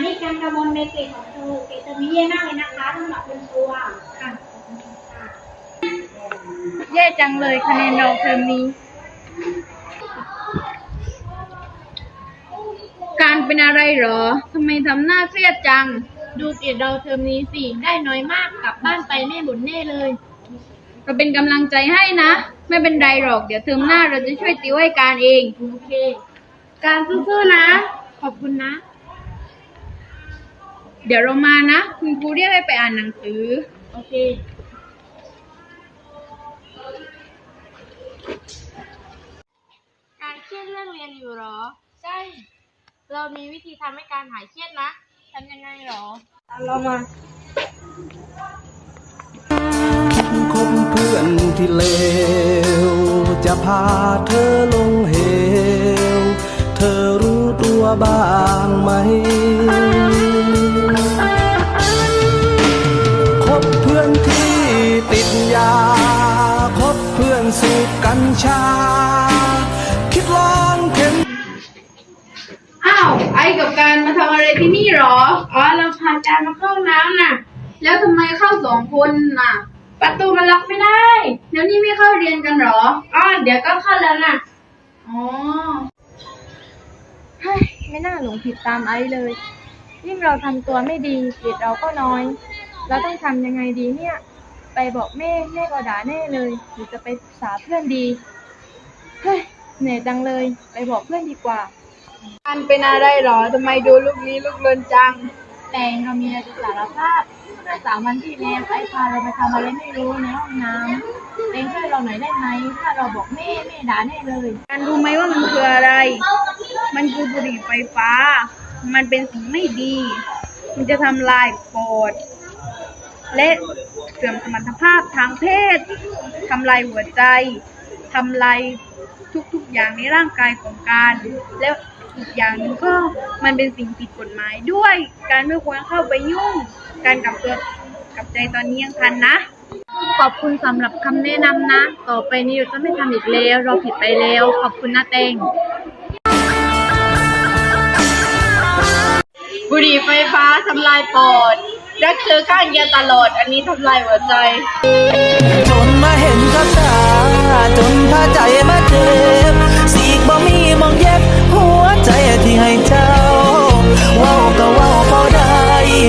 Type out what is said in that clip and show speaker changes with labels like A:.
A: นี้การกระบวนในเกรดของเธอเกรดเธอมีเย่มากเลยนะคะสำหรับคุณครูค่ะ
B: แย่จังเลยคะแนนเราเทอมนี้การเป็นอะไรหรอทำไมทำหน้าเครียดจังดูเกรดเราเทอมนี้สิได้น้อยมากกลับบ้านไปแม่บ่นแน่เลยเราเป็นกำลังใจให้นะไม่เป็นไรหรอกเดี๋ยวเทอมหน้าเราจะช่วยติวให้การเองโอเคการสู้ๆนะขอบคุณนะเดี๋ยวเรามานะคุณครูเรียกให้ไปอ่านหนังสือโอเคการเครียดเรื่องเรียนอยู่หรอใช่เรามีวิธีทำให้การหายเครียดนะทำยังไงหรอเรามา
C: คบเพื่อนที่เลวจะพาเธอลงเหวเธอรู้ตัวบ้างไหมคบเพื่อนที่ติดยาคบเพื่อนสูบกัญชาคิดลองเข็น
B: อ้าวไอ้กับการมาทำอะไรที่นี่หรออ๋อเราพาการมาเข้าน้ำน่ะแล้วทำไมเข้า2 คนน่ะประตูมันล็อกไม่ได้เดี๋ยวนี้ไม่เข้าเรียนกันหรออ๋อเดี๋ยวก็เข้าแล้วน่ะอ๋อเฮ้ยไม่น่าหลงผิดตามไอ้เลยยิ่งเราทำตัวไม่ดีเกรดเราก็น้อยเราต้องทำยังไงดีเนี่ยไปบอกแม่ก็ด่าแน่เลยหรือจะไปปรึกษาเพื่อนดีเฮ้ยเหนื่อยจังเลยไปบอกเพื่อนดีกว่าการเป็นอะไรหรอทำไมดูลุกลี้ลุกลนจังแต่เรามีอะไรจะสารภาพเมื่อ3 วันที่แล้วไอ้พาเราไปทำอะไรไม่รู้ในห้องน้ำเองช่วยเราหน่อยได้ไหมถ้าเราบอกแม่ด่าแน่เลยการรู้ไหมว่ามันคืออะไรมันคือบุหรี่ไฟฟ้ามันเป็นสิ่งไม่ดีมันจะทำลายปอดและเสื่อมสมรรถภาพทางเพศทำลายหัวใจทำลายทุกอย่างในร่างกายของการแล้วอีกอย่างหนึ่งก็มันเป็นสิ่งผิดกฎหมายด้วยการไม่ควรเข้าไปยุ่งการกลับตัวกลับใจตอนนี้ยังทันนะขอบคุณสำหรับคำแนะนำนะต่อไปนี้เราจะไม่ทำอีกแล้วเราผิดไปแล้วขอบคุณนะเตงบุหรี่ไฟฟ้าทำลายปอดรักเธอข้างเดียวตลอดอันนี้ทำลายหัวใจ
C: จนมาเห็นกับตาจนพาใจมาเจ็บสีกบ่มีมองเย็บหัวใจที่ให้เจ้า